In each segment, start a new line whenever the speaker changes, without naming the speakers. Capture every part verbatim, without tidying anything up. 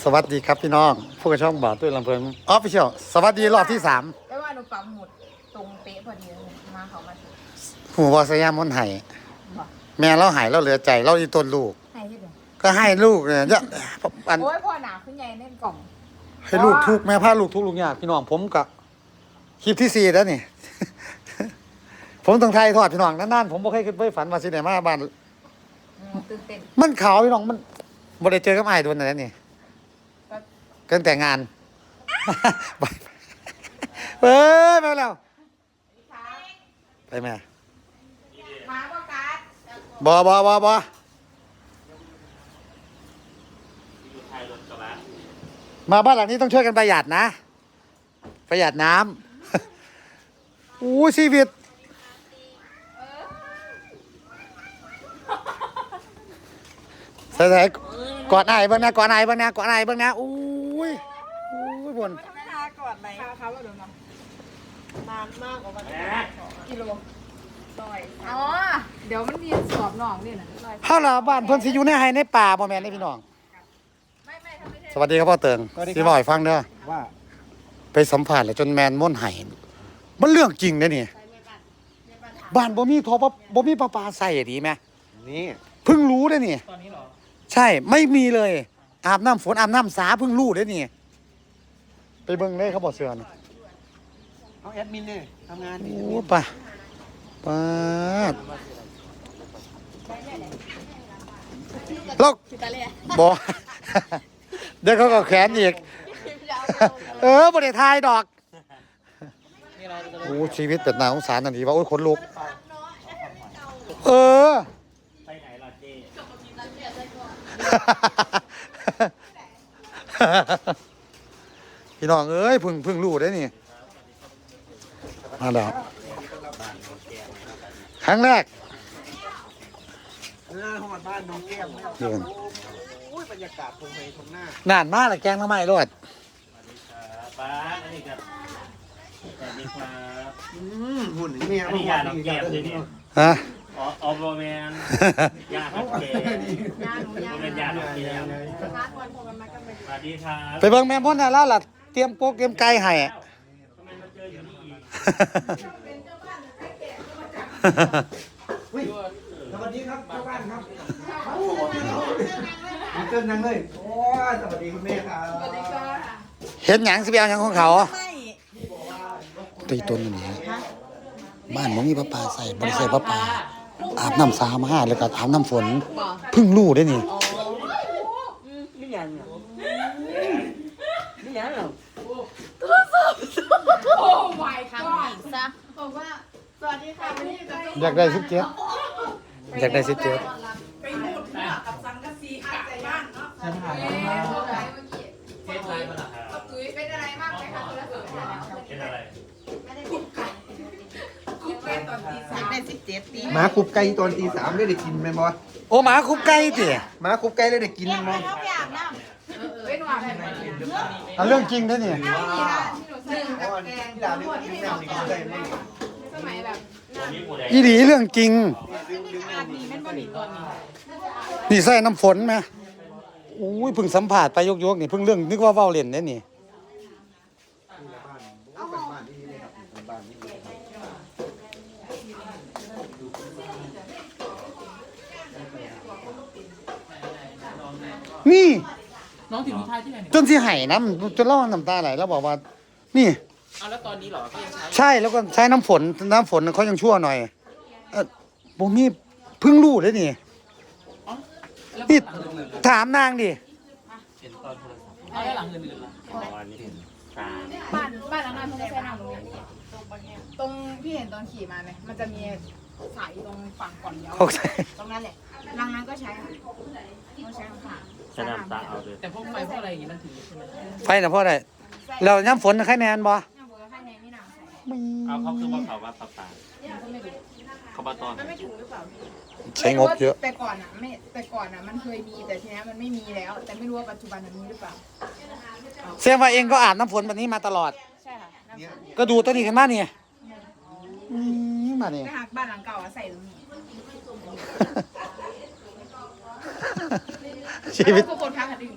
สวัสดีครับพี่น้องผู้กระช่องบ่าวตุ้ยลำเพลินออฟฟิเชียลสวัสดีรอบที่สาม
ไม่ว่าหนูปั๊มหมุดตรงเป๊ะพอดีเลยมาเขามาถึง
หูบอสยามมนไห้แม่เราหายเราเหลือใจเราอีต้นลูก
ให้ที่เดียว
ก็ให้ลูกเนี่ยจะอัน
โอ้ยพ่อหนาขึ้นใหญ่เล่นกล่อง
ให้ลูกทุกแม่พาลูกทุกลูกยากพี่น้องผมกับคลิปที่สี่แล้วนี่ ผมต้องไทยทอดพี่น้องนั่นๆผมบ่เคยคิดไปฝันว่าสิไหนมาบ้าน
ตื่นเต้น
มันขาวพี่น้องมันบ่ได้เจอกับไอ้โดนอะไรนี่กันแต่งงานเฮ้ยมาแล้วไปแม่
มาบ่การ์ด
บอบอบอบอมาบ้านหลังนี้ต้องช่วยกันประหยัดนะประหยัดน้ำอู้ชีวิตใส่ใส่กอดไอ้บ้างนะกอดไอ้บ้างนะกอดไอ้บ้างนะอู้ยอู้ยบน
ไม่ทากอดไหมทาเขาว่าเดี๋ยวนะนานมากกว่าวันกิโลต่อยอ๋อเดี๋ยวมันมีสอบน้องนี่นะ
เฮาล่ะบ้านเพิ่นสิอยู่ในไร่ในป่าบ่แม่นเด้พี่น้อง
ไม่ไม่ทำไม่ได้
สวัสดีครับพ่อเติงสิบ่ให้ฟังเด้อ
ว่า
ไปสัมภาษณ์แล้วจนแมนม่นไห้มันเรื่องจริงเด้นี่บ้านบ่มีโทรบ่มีประปาใส่ดีแม่
นี่
เพิ่งรู้เด้นี่ตอนนี้เหรอใช่ไม่มีเลยอาบน้ำฝนอาบน้ำสาเพิ่งรู้เด้นี่ไปเบิ่งเลยเขาบอกเสือน่ะ
เอาแอดมินเนี่ยทำงานนี่
โอ้ป่ะป่ะแล้วบ่เดี๋ยวเขาก็แขนอีกเออบ่ได้ทายดอกโอ้ชีวิตเป็นน่าสงสารทันทีว่าโอ้ยขนลุกเออไปไหนล่ะเจ้พี่น้องเอ้ยพึ่งพึ่งรู้ได้นี่มาแล้วครั้งแรก
หน้าหอดบ้านน้องแก้มเนี่ยโอ้ยบรรยากาศตรงไหนตรงหน้าน
านมากเลยแกงทำไมรถ
ป้าอันนี้ครับสวัสดีครับ
อืมหุ่นนี่เนี่ย
อันนี้ยาน้ำแก้มเลยเนี่ย
ฮะ
อ๋อออโรแมนยาน้ำแก้ม
ยาหนูยา
เป็นยาน้ำแก้มสวัสดีครับ
ไปเบิ่งแม่พ่นน่ะแล้วล่ะเตรียมโป๊กเตรียมไก่ให้
ทำไมมาเจออยู่นี่อีก
สวัสดีครับเจ้าบ้านครับมีเกินยังเลยโอ้ยสวัสดีคุณแม่ครับสวัสดีค่ะ
เห็นหยังสิไปเอาหยังของเขาตีต้นนี่บ้านบ่มีประปาใส่บ่ได้ใส่ประปาอาบน้ำสามาแล้วก็อาบน้ำฝนเพิ่งรู้ได้นี่
ไม่ยังไม่ยังหรอ
โอ้ my god ซะบอกว่าสวัสดีค่ะวันนี้
อยากได้สิบเจ็ดอยากได้สิบเจ็ด
ไปหมุดกับสังกะสีอาใจบ้านเนาะเทปไลน์มาหรอครับตุ้ยเป็นอะไรมากไหมคะคุณละเสือ
เป็นอะไร
ไม่ได้คุกไก่คุกไก่ตอนตีสามได้สิบเจ็ดปี
หมาคุบไก่ตอนตีสามได้ได้กินไหมบอส
โอ้หมาคุบไก่ติ
หมาคุบไก่ได้ได้กินไหม
เขาไปอาบน้ำเป็นหวานไหม
อันเรื่องจริงได้นี่
หนึ่งกับแกงทั้งหมดที่เราสอนสมัยแบบ
อีหลีเรื่องจริงนี่ใส่น้ำฝนไหมอุ้ยเพิ่งสัมผัสไปยกๆนี่เพิ่งเรื่องนึกว่าเว้าเล่นได้นี่นี่
น้องถึงท้ายที่ไหน
จนสิไห้น้ำจนเล่าน้ำตาไหลแล้วบอกว่านี่
เอาแล้วตอนนี้เหรอก็ยังใช้
ใช่แล้วก็ใช้น้ำฝนน้ำฝนเขายังชั่วหน่อยเออผมนี่เพิ่งรู้เลยนี่นี่ถามนางดิ
เห็นตอนโทรศัพท์เอาแล้วหลังอื่นๆล่ะอ๋ออันนี้เห็นตา
บ้านบ้านหลังนั้นมันไม่ใช่หนังตรงนี้ตรงพี่เห็นตอนขี่มาไหมมันจะมีสายตรงฝั่งก่อนเดียวตรงนั้นแหละหลังนั้นก็ใช้ค่ะเขาใช้ค่ะ
ใช้น้ำตาเอาเลย
แต่พวกไฟพวกอะไรอย่างนี้มันถึงใช่ไหม
ไฟนะเพราะอะไรเราน้ำฝนใครแนนบ่
เอาเขาคือว่าเขาว่าปลาปลาเขาบาตอน
มันไม่ถูกหรือเปล่า
ใช้งบเยอะ
แต่ก่อนอ่ะไม่แต่ก่อนอ่ะมันเคยมีแต่ทีนี้มันไม่มีแล้ว แต่ไม่รู้ว่าปัจจุบันมันมีหรือเปล่า
เสียว่าเองก็อาบน้ำฝนแบบนี้มาตลอด
ใช่ค่ะ
ก็ดูตัวนี้กันบ้านนี่มาเนี่ย
หักบ้านหลังเก่าใส่ตรงนี้
ชีวิต
ทุกคนพักกันดิ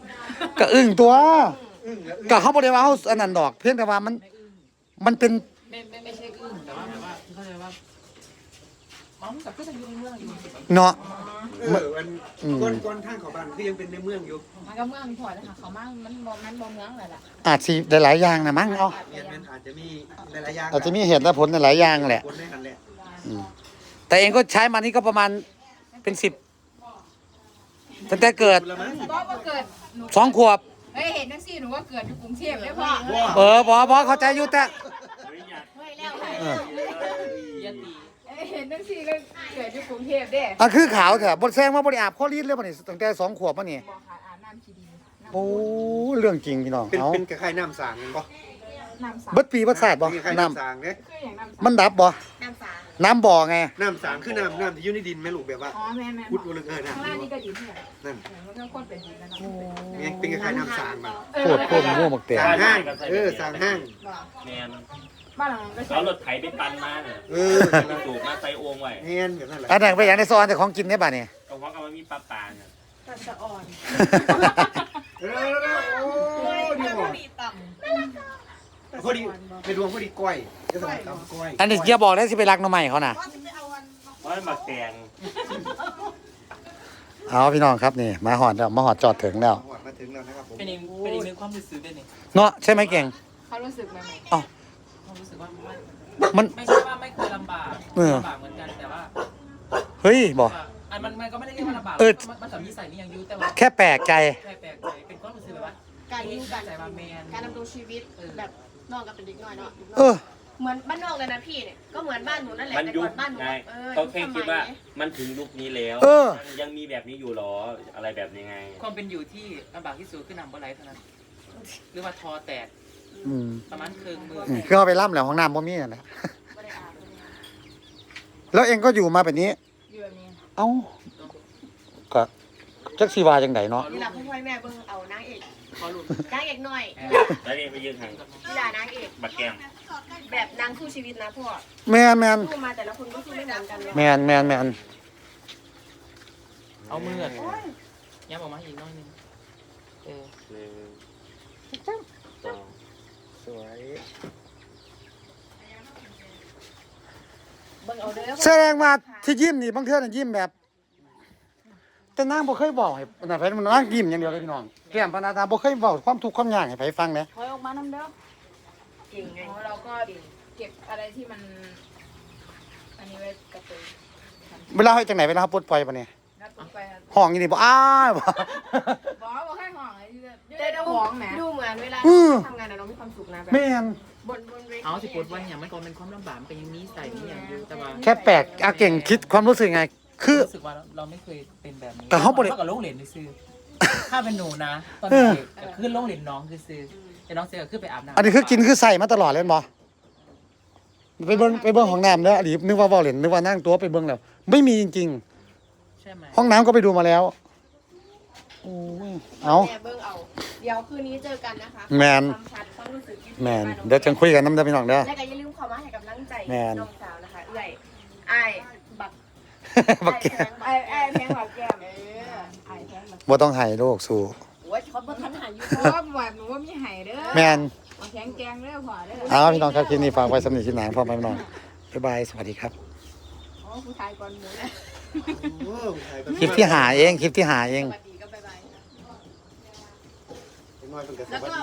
ก็อึ้งตัว
อึ้งแล้ว
ก็เขาบ่ได้ว่าเฮาอันนั้นดอก เพียงแต่ว่ามัน
ไม่อึ้ง
มันเป็น
ไม่ไม่ไม่ใช่อึ้งแต่ว่าแบบว่าเข้าใจว่าอ๋อกับก็จะอยู่ในเมืองอยู่
เนาะ
เออมันก้นก้นทางเขาบ้านคือยังเป็นในเมืองอยู่
มันก็เมืองพอนะคะเขามั่งมันบ่มันบ่เมืองเลยล่ะ
อาจสิหลายๆอย่างนะมั้งเอา
เรียนมันอาจจะมีหลายๆอย่าง
อาจจะมีเหตุและผลหลายอย่างแหละ
คนได้หันแหละ
อืมแต่เองก็ใช้มานี่ก็ประมาณเป็นสิบตั้งแต่เกิด
คุณละมั้ง
ก็มาเกิดหนู
สองขวบ
เฮ้ยเห็นจังซี่หนูว่าเกิดอยู่กรุงเทพเลยพ่อ
เออบอบอเข้าใจอยู่แต่
เฮ้ยอยาก
เฮ้ยแล้ว
เออ
ยะตี
เอ้ยเห็นจังซี่ก็เกิดอยู่กรุงเทพเด้
อันคือขาวเถอะบนแซงว่าบริอาบข้อรีดเลยป่ะนี่ตั้งแต่สองขวบป่ะนี่
บอกค่ะอาบน้ำขี้ดีน้ำ
โอ้เรื่องจริงพี่น้อง
เป็น
เอา
เป็นคล้ายๆน้ำสางกันปะ
น้ำสา
เบิดปีเบิดศาสตร์บ่
คล้ายๆ
น้
น้ำสางเนี่ย
คืออย่างน้ำสา
ำมันดับบ่
น้ำสา
น้ำบ่อไง
น้ำสางคือน้ำน้ำที่อยู่ในดินไหมลูกแบบว่า
อ๋อแม่แม่
พุดลึกเออ
ข้าง
น้ำ
ล่าง
ที่
นี่ก็ดีเพื่อน
นั่น
มันก็โคตรเป็นดีแล้วเนาะ
เนี่ยเป็นคล้ายๆน้ำสางมัน
โคตรโคตรมั่วหมกเตีย
สางห้างเออสางห้าง
แมน
บ้านหลังนั้นก็ใช่
เอารถไถไปตันมาเนี่ย
เออ
มันสูบมาใส่โอ่งไว้
แฮนแบบนั้นแหละ
อันนั้นไปอย่างในซอนแต่ของกินได้ป่ะนี่
ก็เพราะกับมันมีปลาปลาเนี่ย
ตัดสะอ่อน
เออโอ้ดีหมด
ดีต่
พอดีไปดวงพอดีก้อยจะสมัยตำก้อย
อันนี้เกียร์บอกได้สิไปรักน้องใหม่เขาน่ะ
เพราะมันหมักแตง
เอาพี่น้องครับนี่มาหอดแล้วมาหอดจอดถึงแล้ว
หอดมาถึงแล้วนะครับผม
เป็นอีกเป็นอีกหนึ่งความรู้สึกด้วยนี่
เนาะใช่ไหมเก่ง
ำเขารู้สึกไหมไหม
อ๋อ
ความรู้สึกว่าไม่
มัน
ไม่ใช่ว่าไม่เคยลำบาก
เออ
ลำบากเหมือนกันแต่ว่า
เฮ้ยบอก
อันมันมันก็ไม่ได้เรียกว่าลำบาก
เออ
มันมันสามีใส่นี่ยังอยูแต่ว่า
แค่แปลกใจ
แค่แปลกใจเป็นความรู้สึกแบบว่า
การอยู่กัน
ใจว่าแมน
การดำรงชีวิตแบบนอกกับเป็นเด็กน้อยเนาะ
เออ
เหมือนบ้านนอกเลยนะพี่เนี่ยก็เหมือนบ้านหนูนั่นแหละ
มัน
แต่
ยุ
ก่
ค
อนบ้านหนู
ไง
เออ
เขาแค่
ยุ
คิด
สมัย
ว่ามันถึงยุคนี้แล้ว
เออ
ยังมีแบบนี้อยู่หรออะไรแบบนี้ไง
ความเป็นอยู่ที่ลำบากที่สุดคือนำบ่ไหลเท่านั้นหรือว่าทอแตก
อืม
ประมาณครึ่งมือ
อืมคือเอาไปล่ำแล้วห้องน้ำบ่มีนั่นแหละ
ไม่ได้อาบไม่ได้อาบ
แล้วเองก็อยู่มาแบบนี้
อยู่แบบนี้
เอ้าก็จักสีวาจังไดเนาะ
นี่หลับพ่อแม่เบิ่งเอานางเอก
ขอหลุด
นางเอกหน่อย
แล้วนี่ไปยืนห่าง
นี่ล่ะนางเอก
บักแก้ม
แบบนางสู้ชีวิตนะพ่อ
แมนแมน
สู้มาแต่ละคนก็สู้ไม่เหมือนกันเนาะ
แมนแมนแมน
เอามือย้ำออกมาอีกหน้อยหนึงเออ
หนึ่งสอง
สวย
เบิ่งเอาเด้อ
แสดงว่าที่ยิ้มนี่บางเทื่อน่ะยิ้มแบบ แต่นางบ่เคยบอกให้นั่นไผมันนางยิ้มอย่างเดียวเลยพี่น้องแก้มปานาตาบ่เคยเว้าความทุกข์ความยากให้ไผฟังเด้
ถอยออกมาน้ำเด้อ
เก่งไง
อ๋อเราก็เก็บอะไรที่มัน อันนี้ไว้กระตุ้น
เวลาเฮ็ดจังไหนเวลาเฮาปลดปล่อยปะเนี่ย
นัดไปครับ
ห้องอยู่นี่บ่อ้ายบ่
บอกบอกให้ห่องไอ้ที่จะ
แต่
เจ้า
ดู
ของแหม
ดูเหมือนเวลา
อืม
ทำงานอะเรามีความสุขนะแบบ
แม่น
บนบนเวที
เอาสิปวดวันอย่างมันก็เป็นความลำบากมันก็ยังมีใส่มีอย่างอยู่แต่ว่า
แค่แปลกอาเก่งคิดความรู้สึกไง คือ
รู้สึกว่าเราไม่เคยเป็นแบบนี้
แต่เขาบ่ได้
กับโรงเรียนซื้อถ้าเป็นหนูนะ ตอน
เออ
เด็กก็ขึ้นโรงเรียนน้องคือซื้อแต่น้องเสียก็ขึ้นไปอาบน้ำ
อันนี้คือกินคือใส่มาตลอดเลยแม่นบ่ไปเบิ่งไปเบิ่งห้องน้ำเด้ออดีตนึกว่าเว้าเล่นนึกว่านั่งตัวไปเบิ่งแล้ว ไม่มีจริง
ใช่ไหม
ๆ ห้องน้ำก็ไปดูมาแล้วโอ้ยเอา
แม่เบิ่งเอา เดี๋ยวคืนนี้เจอกันนะคะ
แมน
ความชัดความรู้สึกที่
แมน
บ้า
เดี๋ยวจังคุยกันน้ำเด้อพี่น้องเด้อ
และก็อย่าลืมเข้ามาให้กำลังใจ
แม่น
น้องสาวนะคะ เอื้อยอ้ายบัก
บักแก
อ้ายแพง
ไอ้ไอ้แพงหลับแก้มเออไอ้แพงหลับ
บ่ต้องให้ลูกสู้
โอ้ยเขาบ่ทันหาอยู่
เพราะว่าแบบหนูว่ามีไห่เด้อ
แมน
เอาแข็งแกงเด้อพอเด้อ
เอาพี่น้องครับคลิปนี้ฝากไว้สำหรับคลิปหน้าพ่อแม่พี่น้องบ๊ายบายสวัสดีครับ
อ๋อผู้ชายก่อนหมูนะ
โอ้ยถ่ายไป
คลิปที่หาเองคลิปที่หาเอง
สวัสดีก็บ๊ายบาย
น้อยเป็นกระแส
แล้ว
วั
ก็
น